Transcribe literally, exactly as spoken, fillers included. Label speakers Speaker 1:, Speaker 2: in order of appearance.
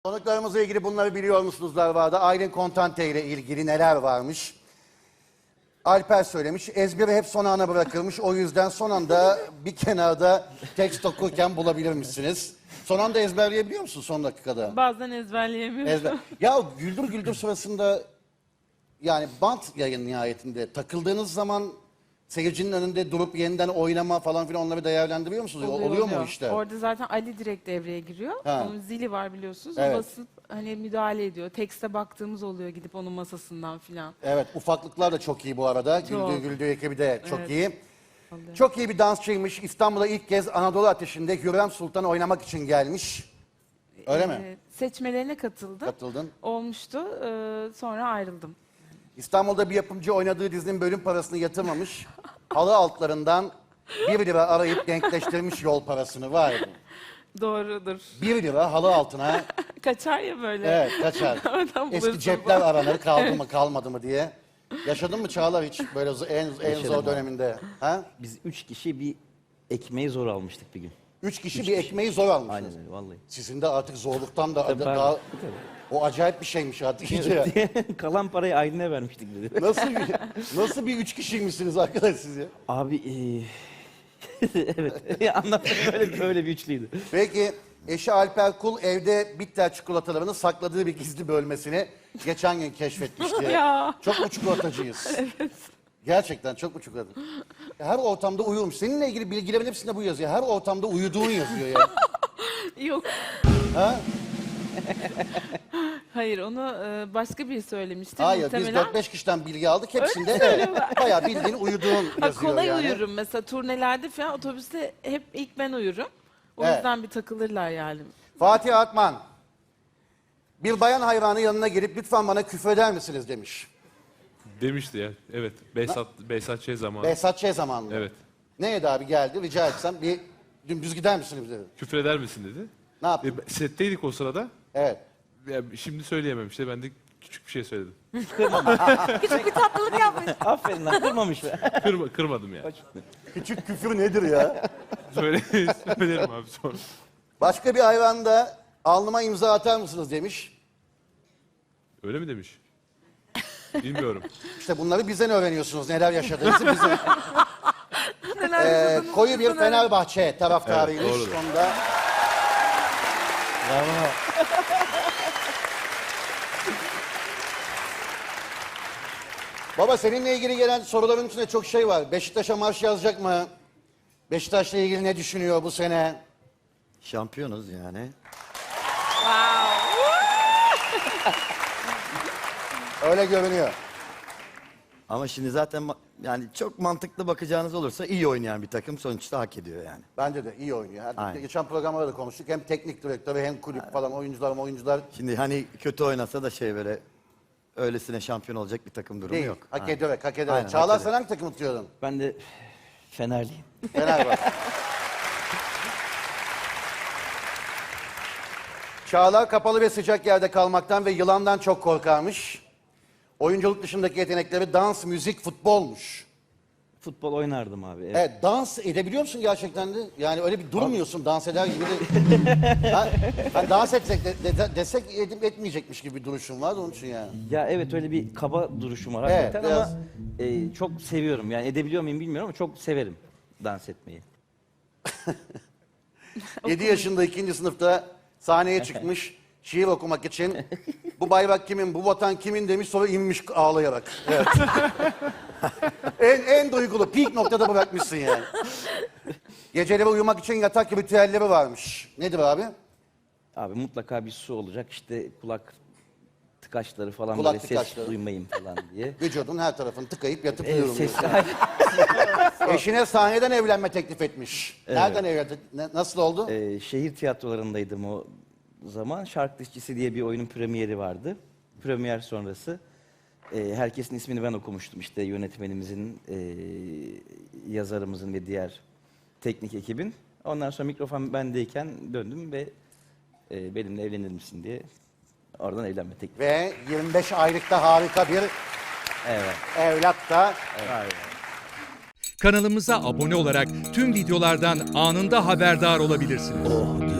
Speaker 1: Konuklarımızla ilgili bunları biliyor musunuz vardı? Aylin Kontante ile ilgili neler varmış? Alper söylemiş. Ezberi hep son ana bırakılmış. O yüzden son anda bir kenarda tekst okurken bulabilirmişsiniz. Son anda ezberleyebiliyor musun son dakikada?
Speaker 2: Bazen ezberleyemiyorum.
Speaker 1: Ezber. Ya Güldür Güldür sırasında yani bant yayın nihayetinde takıldığınız zaman seyircinin önünde durup yeniden oynama falan filan onları değerlendiriyor musunuz?
Speaker 2: Oluyor,
Speaker 1: Oluyor,
Speaker 2: oluyor.
Speaker 1: mu işte?
Speaker 2: Orada zaten Ali direkt devreye giriyor.
Speaker 1: Ha.
Speaker 2: Onun zili var biliyorsunuz.
Speaker 1: Evet.
Speaker 2: O basıp hani müdahale ediyor. Tekste baktığımız oluyor gidip onun masasından filan.
Speaker 1: Evet, ufaklıklar da çok iyi bu arada.
Speaker 2: Çok.
Speaker 1: Güldüğü Güldüğü ekibi de çok
Speaker 2: Evet.
Speaker 1: iyi.
Speaker 2: Oluyor.
Speaker 1: Çok iyi bir dansçıymış. İstanbul'a ilk kez Anadolu Ateşi'nde Hürrem Sultan oynamak için gelmiş. Öyle mi?
Speaker 2: Ee, Seçmelerine katıldım.
Speaker 1: Katıldın.
Speaker 2: Olmuştu. Ee, sonra ayrıldım.
Speaker 1: İstanbul'da bir yapımcı oynadığı dizinin bölüm parasını yatırmamış. Halı altlarından bir lira arayıp denkleştirmiş yol parasını. Vay be.
Speaker 2: Doğrudur.
Speaker 1: Bir lira halı altına.
Speaker 2: Kaçar ya böyle.
Speaker 1: Evet, kaçar.
Speaker 2: Oradan
Speaker 1: Eski
Speaker 2: bulursun.
Speaker 1: cepler aranır, kaldı mı kalmadı mı diye. Yaşadın mı Çağlar hiç böyle zo- en, en
Speaker 3: Yaşadım
Speaker 1: zor
Speaker 3: abi.
Speaker 1: döneminde? Ha?
Speaker 3: Biz üç kişi bir ekmeği zor almıştık bir gün.
Speaker 1: Üç kişi
Speaker 3: Üç
Speaker 1: bir
Speaker 3: kişi.
Speaker 1: ekmeği zor almışsınız.
Speaker 3: Aynen öyle vallahi.
Speaker 1: Sizin de artık zorluktan da
Speaker 3: Tabii,
Speaker 1: daha,
Speaker 3: pardon.
Speaker 1: o acayip bir şeymiş artık iyice.
Speaker 3: Kalan parayı Aylin'e vermiştik dedi.
Speaker 1: Nasıl bir nasıl bir üç kişiymişsiniz arkadaş siz ya?
Speaker 3: Abi eee evet anlatmak öyle, öyle bir üçlüydü.
Speaker 1: Peki eşi Alper Kul evde bitter çikolatalarını sakladığı bir gizli bölmesini geçen gün keşfetmişti.
Speaker 2: Ya.
Speaker 1: Çok mu çikolatacıyız? Evet. Gerçekten çok mu çikolata? Her ortamda uyurmuş. Seninle ilgili bilgilerin hepsinde bu yazıyor. Her ortamda uyuduğun yazıyor ya.
Speaker 2: Yok.
Speaker 1: Ha?
Speaker 2: Hayır onu e, başka biri söylemişti.
Speaker 1: Hayır biz
Speaker 2: Muhtemelen.
Speaker 1: dört beş kişiden bilgi aldık. Hepsinde evet, bayağı bildiğin uyuduğun
Speaker 2: Ha,
Speaker 1: yazıyor
Speaker 2: kolay
Speaker 1: yani.
Speaker 2: uyurum mesela turnelerde falan otobüste hep ilk ben uyurum. O
Speaker 1: Evet.
Speaker 2: yüzden bir takılırlar yani.
Speaker 1: Fatih Atman, bir bayan hayranı yanına gelip lütfen bana küfreder misiniz demiş.
Speaker 4: Demişti ya. Evet. Behzat, Behzat Ç. zamanı.
Speaker 1: Behzat Ç. zamanında.
Speaker 4: Evet.
Speaker 1: Neydi abi geldi rica etsem bir dümdüz gider misiniz dedi.
Speaker 4: Küfreder misin dedi.
Speaker 1: Ne yaptın?
Speaker 4: E, setteydik o sırada.
Speaker 1: Evet.
Speaker 4: Ya, şimdi söyleyemem işte. Ben de küçük bir şey söyledim.
Speaker 2: Küçük bir tatlılık yapmış.
Speaker 3: Aferin lan kırmamış be.
Speaker 4: Kırma, kırmadım yani.
Speaker 1: Küçük küfür nedir ya?
Speaker 4: Söyle, söylerim abi sonra.
Speaker 1: Başka bir hayvanda alnıma imza atar mısınız demiş.
Speaker 4: Öyle mi demiş? Bilmiyorum.
Speaker 1: İşte bunları bizden öğreniyorsunuz neler yaşadığınızı bizden.
Speaker 2: Neler
Speaker 1: Ee,
Speaker 2: yaşadınız,
Speaker 1: koyu bir
Speaker 2: neler-
Speaker 1: Fenerbahçe taraftarıymış.
Speaker 4: Evet, doğrudur.
Speaker 1: Onda
Speaker 3: Bravo.
Speaker 1: baba seninle ilgili gelen soruların içinde çok şey var. Beşiktaş'a marş yazacak mı? Beşiktaş'la ilgili ne düşünüyor bu sene?
Speaker 5: Şampiyonuz yani.
Speaker 1: Öyle görünüyor.
Speaker 5: Ama şimdi zaten ma- yani çok mantıklı bakacağınız olursa iyi oynayan bir takım sonuçta hak ediyor yani.
Speaker 1: Bence de iyi oynuyor. Her-
Speaker 5: Aynen.
Speaker 1: Geçen programlarda da konuştuk. Hem teknik direktörü hem kulüp falan oyuncular oyuncular
Speaker 5: Şimdi hani kötü oynasa da şey böyle öylesine şampiyon olacak bir takım durumu
Speaker 1: değil.
Speaker 5: yok.
Speaker 1: Hak
Speaker 5: Aynen.
Speaker 1: ederek, hak ederek.
Speaker 5: Aynen, hak
Speaker 1: Çağlar
Speaker 5: ederek.
Speaker 1: sen hangi takımı tutuyordun?
Speaker 3: Ben de Fenerliyim.
Speaker 1: Fenerbahçe. Çağlar kapalı ve sıcak yerde kalmaktan ve yılandan çok korkarmış. Oyunculuk dışındaki yetenekleri dans, müzik, futbolmuş.
Speaker 3: Futbol oynardım abi. Evet.
Speaker 1: Evet, dans edebiliyor musun gerçekten de? Yani öyle bir durmuyorsun dans eder gibi de. ha, ha, dans etsek de, de- desek edip etmeyecekmiş gibi bir duruşun var onun için yani.
Speaker 3: Ya evet öyle bir kaba duruşum var
Speaker 1: Evet,
Speaker 3: hakikaten
Speaker 1: biraz-
Speaker 3: ama e, çok seviyorum. Yani edebiliyor muyum bilmiyorum ama çok severim dans etmeyi.
Speaker 1: yedi yaşında ikinci sınıfta sahneye çıkmış şiir okumak için. Bu bayrak kimin, bu vatan kimin demiş sonra inmiş ağlayarak. Evet. en, en duygulu, peak noktada bırakmışsın yani. Geceleri uyumak için yatak ritüelleri varmış. Nedir abi?
Speaker 3: Abi mutlaka bir su olacak işte kulak tıkaçları falan
Speaker 1: Kulak
Speaker 3: böyle
Speaker 1: tıkaçları.
Speaker 3: ses duymayayım falan diye.
Speaker 1: Vücudun her tarafını tıkayıp yatıp
Speaker 3: Evet,
Speaker 1: uyuyorum.
Speaker 3: ses,
Speaker 1: diyorsun. Eşine sahneden evlenme teklif etmiş. Nereden evlendi? Ne- Nasıl oldu?
Speaker 3: Ee, şehir tiyatrolarındaydım o zaman. Şark Dişçisi diye bir oyunun premieri vardı. Premier sonrası e, herkesin ismini ben okumuştum. İşte yönetmenimizin, e, yazarımızın ve diğer teknik ekibin. Ondan sonra mikrofon bendeyken döndüm ve e, benimle evlenir misin diye oradan evlenme teklifi.
Speaker 1: Ve yirmi beş aylıkta harika bir
Speaker 3: Evet.
Speaker 1: evlat da
Speaker 6: Kanalımıza abone olarak tüm videolardan anında haberdar olabilirsiniz.